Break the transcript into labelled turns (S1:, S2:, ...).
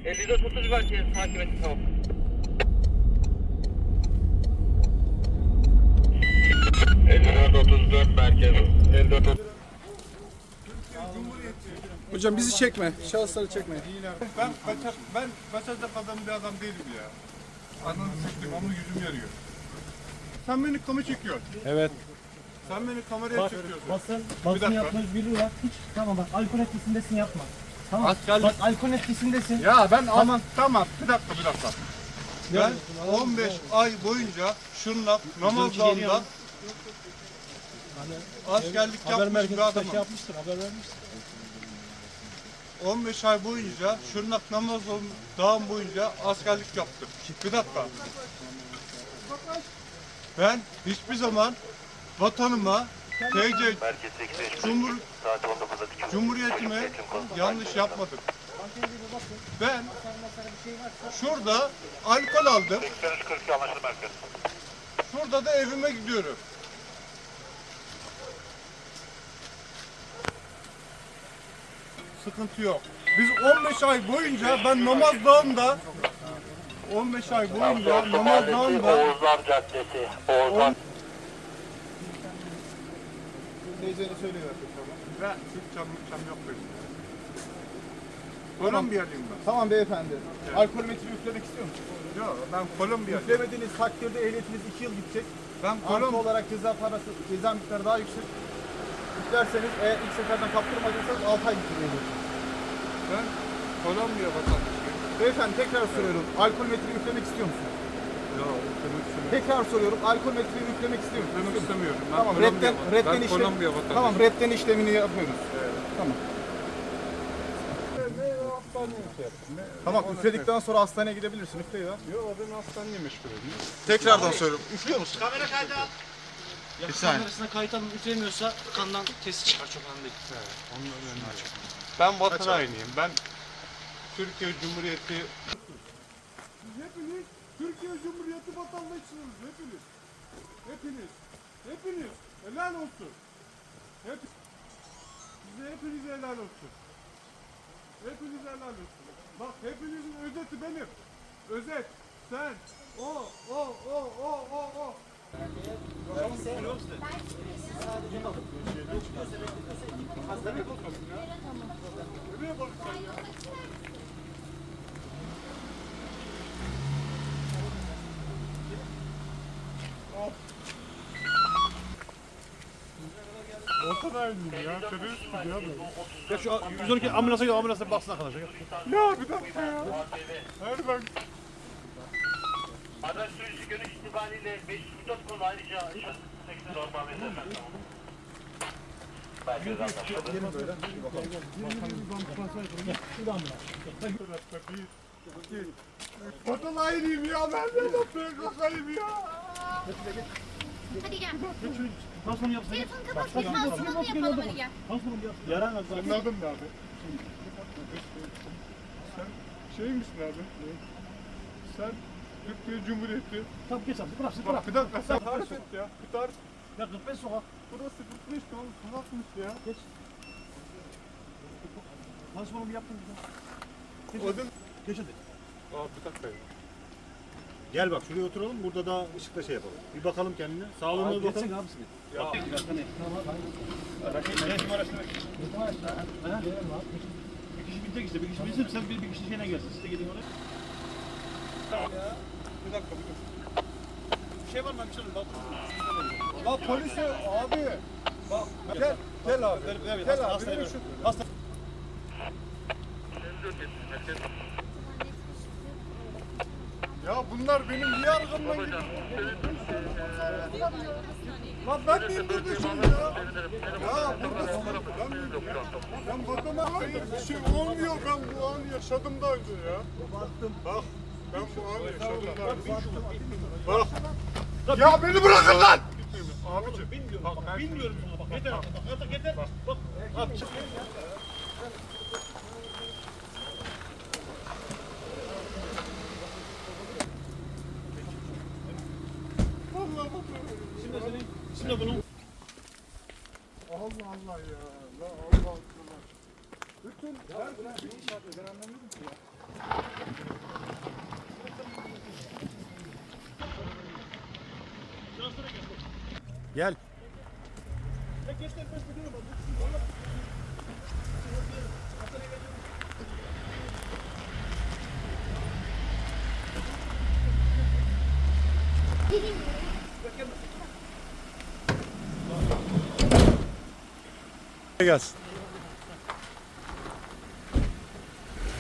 S1: 54-30 belki takip etti tamam. merkez. 54
S2: Hocam bizi çekme, şahısları çekme.
S3: Ben kaçacak adam bir adam değilim ya. Ananı siktim ama yüzüm yarıyor. Sen beni kamera çekiyorsun.
S4: Evet.
S3: Sen beni kameraya çekiyorsun.
S4: Basın
S3: dakika.
S4: yapma özgürlüğü var. Hiç tamam bak alkol etkisindesin yapma. Tamam. Bak alkol etkisindesin.
S3: Ya ben tamam bir dakika. Ben 15 ay boyunca şunla namazlarında askerlik yapmış bir adamım.
S4: Şey yapmıştır, haber vermiştir.
S3: 15 ay boyunca Şırnak Namazlı dağım boyunca askerlik yaptım. Bir dakika. Ben hiçbir zaman vatanıma, TC, Cumhuriyetime yanlış yapmadım. Ben şurada alkol aldım. Şurada da evime gidiyorum. Sıkıntı yok. Biz 15 ay boyunca ben namaz dağında 15 ay boyunca namaz dağında
S1: Oğuzlar Caddesi. Oğuzlar.
S3: Teyzene söyleyiver. Ben hiç çam yok benim. Kolombiyalıyım ben.
S2: Tamam beyefendi.
S3: Evet.
S2: Alkolmetre yüklemek istiyor musunuz?
S3: Yok ben Kolombiyalıyım.
S2: Yüklemediğiniz takdirde ehliyetiniz 2 yıl gidecek.
S3: Ben
S2: Artı olarak ceza miktarı daha yüksek. Yüklerseniz eğer ilk seferden kaptırmadıysanız 6 ay yükleyebilirsiniz.
S3: Ben Kolombiya vatandaşıyım.
S2: Beyefendi tekrar soruyorum. Alkolmetre yüklemek istiyor musunuz?
S3: Yok, yüklemek istemiyorum.
S2: Tekrar soruyorum. Alkolmetreyi yüklemek istiyor musunuz?
S3: Yüklemek istemiyorum. Ben
S2: Tamam,
S3: Kolombiya,
S2: redden
S3: ben Kolombiya vatandaşıyım.
S2: Tamam, redden işlemini yapıyoruz.
S3: Evet.
S2: Tamam.
S3: Ne hastaneye şey yaptım?
S2: Tamam, üfledikten sonra hastaneye gidebilirsin. Üfleyi ver.
S3: Yok ben hastaneye meşgul edeyim.
S2: Tekrardan soruyorum. Üflüyor musun?
S5: Kamera kaydı al. Ya kamerasına kayıt alın üflemiyorsa kandan testi çıkar çok önemli değil.
S3: Onun önemli açık. Ben vatan hainiyim. Ben Türkiye Cumhuriyeti hepiniz Türkiye Cumhuriyeti vatandaşısınız. Hepiniz. Helal olsun. Size hepinize helal olsun. Hepinize helal olsun. Bak hepinizin özeti benim. Özet. Sen. O. Nereye bakıyorsun ya? Vatan hainiyim ya. Terörist mi ya ben?
S4: Ya şu 112 ambulansa gel, ambulansa baksın arkadaşlar.
S3: Ya bir dakika ya. Hayır ben
S1: Araç sürücü görüş itibariyle 504 konu ayrıca 80 normal verirler. Belki de anlaşıldı.
S3: vatan hainiyim ya. Ben de PKK'yım ya.
S6: Hadi gel.
S4: Nasıl yapsın?
S6: Telefonu kapat. Bir pansumanı yapalım hadi gel.
S4: Yaran var.
S3: Senin adın ne abi? Sen şey misin abi? Sen Türkiye Cumhuriyeti.
S4: Tamam geç abi, bırak.
S3: Bak bir dakika sen tarif et ya. Bir tarif.
S4: Ya 45 sokak.
S3: Burası 45 tamam sokakmış ya.
S4: Geç. Pansumanımı yaptım bir de.
S3: Adın?
S4: Geç hadi.
S3: Abi bir dakika ya.
S7: Gel bak şuraya oturalım, burada daha ışıkla şey yapalım. Bir bakalım kendine. Sağlığına bir bakalım.
S4: Geçsene abi sizi.
S3: Ya.
S4: Bir kişi binecek işte, bir kişi binsin, sen bir kişi şeyine gelsin. Siz de gidin oraya.
S3: Bir dakika.
S4: Bir şey var mı? Bir şey var mı?
S3: La polise abi. Bak gel abi. Gel abi. Benim şu Ya bunlar benim niye arkamdan gidiyor? Lan ben de indirdim şimdi ya. Ya burada ben vatana hayır bir şey olmuyor. Ben bu anı yaşadım daha önce ya. Bak ben bu anı yaşadım daha önce. Bak. Ya beni bırakın lan. Abicim.
S4: Bilmiyorum sana bak. Yeter artık. Yeter. Bak. Abi çık. Şimdi bunun
S3: Allah Allah ya. La Allah Allah. Bütün ben anlamıyorum ki ya.
S7: Gel. Gelsin.